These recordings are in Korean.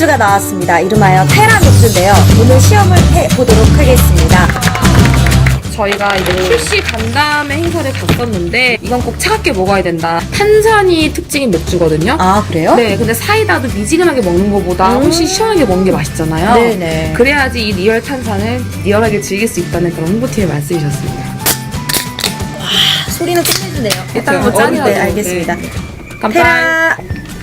맥주가 나왔습니다. 이름하여 테라 맥주인데요. 오늘 시험을 해보도록 하겠습니다. 저희가 이제 출시 간담회 행사를 갔었는데 이건 꼭 차갑게 먹어야 된다. 탄산이 특징인 맥주거든요. 아, 그래요? 네, 근데 사이다도 미지근하게 먹는 것보다 훨씬 시원하게 먹는 게 맛있잖아요. 네네. 그래야지 이 리얼 탄산을 리얼하게 즐길 수 있다는 그런 홍보팀의 말씀이셨습니다. 소리는 끝내주네요. 일단 한번 짠이라도. 네, 알겠습니다. 깜빡. 테라.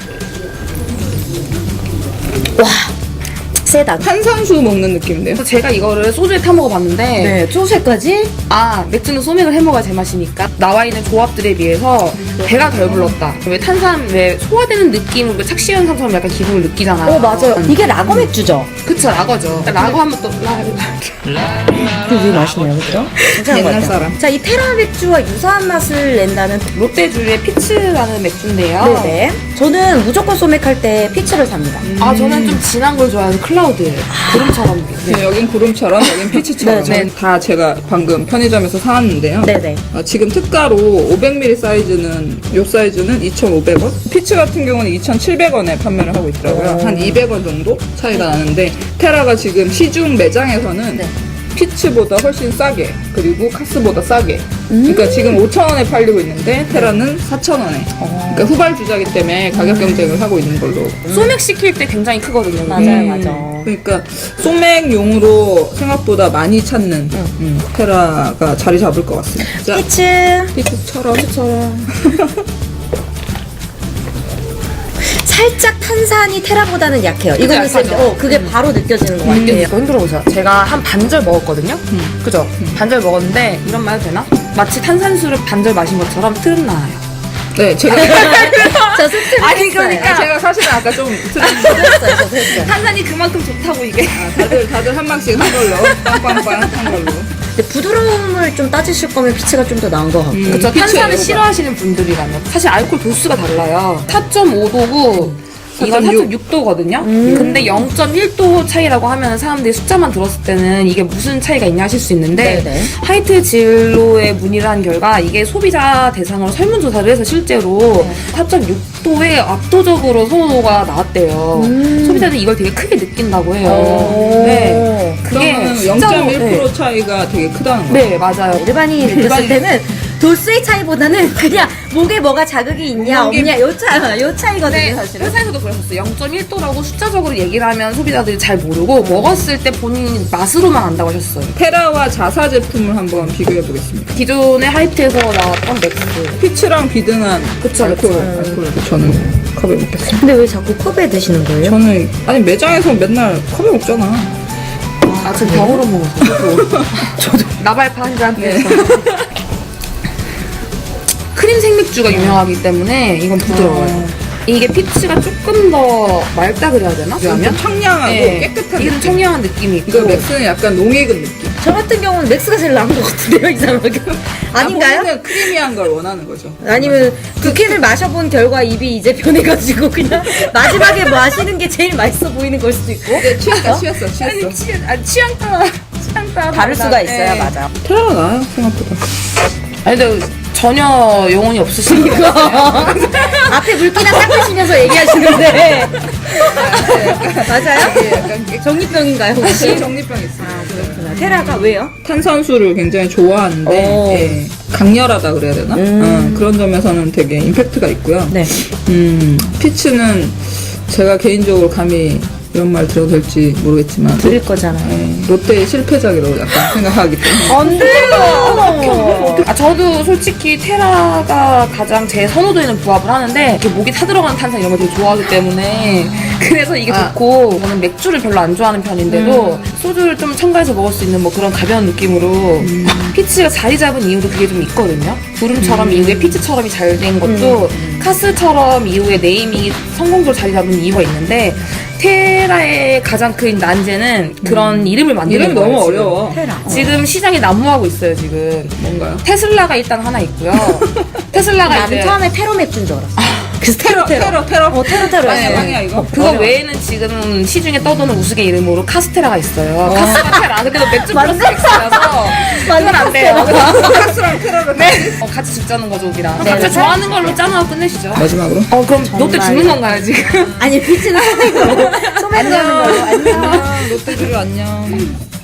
와, 세다. 탄산수 먹는 느낌인데요? 그래서 제가 이거를 소주에 타 먹어봤는데 네, 소세까지? 아, 맥주는 소맥을 해먹어야 제맛이니까 나와 있는 조합들에 비해서 배가 덜 불렀다. 왜 탄산, 왜 소화되는 느낌으로 착시현상처럼 약간 기분을 느끼잖아요. 맞아요. 이게 라거 맥주죠? 그쵸, 라거죠. 라거 하면 또 되게 맛있네요, 그죠? 괜찮은 것 옛날 같아요. 사람. 자, 이 테라 맥주와 유사한 맛을 낸다는. 롯데주의 피츠라는 맥주인데요. 네네. 저는 무조건 소맥할 때 피치를 삽니다. 아, 저는 좀 진한 걸 좋아해서 클라우드. 구름처럼. 네, 여긴 구름처럼, 여긴 피치처럼. 네, 다 제가 방금 편의점에서 사왔는데요. 네네. 지금 특가로 500ml 사이즈는, 요 사이즈는 2,500원? 피치 같은 경우는 2,700원에 판매를 하고 있더라고요. 한 200원 정도 차이가 나는데, 테라가 지금 시중 매장에서는 네. 피치보다 훨씬 싸게, 그리고 카스보다 싸게. 그러니까 지금 5,000원에 팔리고 있는데, 테라는 4,000원에. 그러니까 후발주자기 때문에 가격 경쟁을 하고 있는 걸로. 소맥 시킬 때 굉장히 크거든요. 맞아요, 맞아. 그러니까 소맥용으로 생각보다 많이 찾는 테라가 자리 잡을 것 같습니다. 자, 피치. 피치처럼. 살짝 탄산이 테라보다는 약해요. 이거는 있을 때, 약하죠. 그게 바로 느껴지는 것 같아요. 이거 흔들어 보세요. 제가 한 반절 먹었거든요. 그죠? 반절 먹었는데 이런 말 해도 되나? 마치 탄산수를 반절 마신 것처럼 트름 나요. 네, 제가 저 스트레스. 아니, 그러니까. 제가 사실은 아까 좀 했어요, 저도 했어요. 탄산이 그만큼 좋다고 이게. 다들 한 방씩 한 걸로 빵빵빵 한 걸로. 근데 부드러움을 좀 따지실 거면 피치가 좀 더 나은 것 같고. 그쵸? 피치 탄산을 에어가. 싫어하시는 분들이라면 사실 알코올 도수가 달라요. 4.5도고 이건 4.6도거든요. 근데 0.1도 차이라고 하면 사람들이 숫자만 들었을 때는 이게 무슨 차이가 있냐 하실 수 있는데 네네. 하이트 진로에 문의를 한 결과 이게 소비자 대상으로 설문조사를 해서 실제로 4.6도에 압도적으로 선호도가 나왔대요. 소비자들이 이걸 되게 크게 느낀다고 해요. 네. 그게 그러면 진짜로 0.1% 차이가 되게 크다는 거예요. 네, 맞아요. 일반인이 느꼈을 때는 도수의 차이보다는 그냥 목에 뭐가 자극이 있냐 없냐 요 차이거든요, 네, 사실은. 회사에서도 그랬었어요. 0.1도라고 숫자적으로 얘기를 하면 소비자들이 잘 모르고 먹었을 때 본인 맛으로만 안다고 하셨어요. 테라와 자사 제품을 한번 비교해 보겠습니다. 기존의 하이트에서 나왔던 맥스. 피치랑 비등한 그쵸, 알코올, 그쵸. 알코올을 저는 컵에 먹겠습니다. 근데 왜 자꾸 컵에 드시는 거예요? 저는 아니 매장에서 맨날 컵에 먹잖아. 아, 저 병으로 먹었어요. 저도. 나발파 한 잔. 네. 크림 생맥주가 유명하기 때문에 이건 부드러워요. 이게 피치가 조금 더 맑다 그래야 되나? 좀 청량하고 깨끗한 이게 좀 느낌. 청량한 느낌이 있고. 이거 맥스는 약간 농익은 느낌. 저 같은 경우는 맥스가 제일 나은 것 같은데요, 이상하게. 아닌가요? 본인은 크리미한 걸 원하는 거죠. 아니면 두 캔을 마셔본 결과 입이 이제 변해가지고 그냥 마지막에 마시는 게 제일 맛있어 보이는 걸 수도 있고. 네, 취했다, 취했어. 취향 따라 다를 수가 있어요, 네. 맞아. 테라가 나아요, 생각보다. 아니 근데 전혀 영혼이 없으시니까. 앞에 물기나 닦으시면서 얘기하시는데. 맞아요? 네, 약간 정리병인가요, 혹시? 정리병 있어요. 그렇구나. 테라가 왜요? 탄산수를 굉장히 좋아하는데 오. 예, 강렬하다 그래야 되나? 그런 점에서는 되게 임팩트가 있고요. 네. 피치는 제가 개인적으로 감히 이런 말 드려도 될지 모르겠지만 드릴 거잖아요. 롯데의 실패작이라고 약간 생각하기 때문에 안 돼요! 아, 저도 솔직히 테라가 가장 제 선호도에는 부합을 하는데 이렇게 목이 타들어가는 탄산 이런 거 되게 좋아하기 때문에 그래서 이게 좋고 저는 맥주를 별로 안 좋아하는 편인데도 소주를 좀 첨가해서 먹을 수 있는 뭐 그런 가벼운 느낌으로 피치가 자리 잡은 이유도 그게 좀 있거든요. 구름처럼 이후에 피치처럼이 잘 된 것도 카스처럼 이후에 네이밍이 성공적으로 자리 잡은 이유가 있는데 테라의 가장 큰 난제는 그런 이름을 만드는 이름 거예요. 너무 지금. 어려워. 테라. 지금 시장이 난무하고 있어요, 지금. 뭔가요? 테슬라가 일단 하나 있고요. 테슬라가 이제 난 처음에 페로 맥주인 줄 알았어. 그 테러. 테러. 테러. 빵이야 이거. 그거 외에는 지금 시중에 떠도는 우스개 이름으로 카스테라가 있어요. 카스가 테라. 근데 맥주 플러스 엑스라서 그건 안 돼요. 카스랑 테러를 같이 죽자는 거죠, 우리랑. 네, 각자 네. 좋아하는 걸로 짜놓고 끝내시죠. 마지막으로. 그럼 롯데 정말. 죽는 건가요, 지금? 아니, 피치는 소맥으로. 소맥으로 하는 걸로. 안녕. 롯데주류 안녕.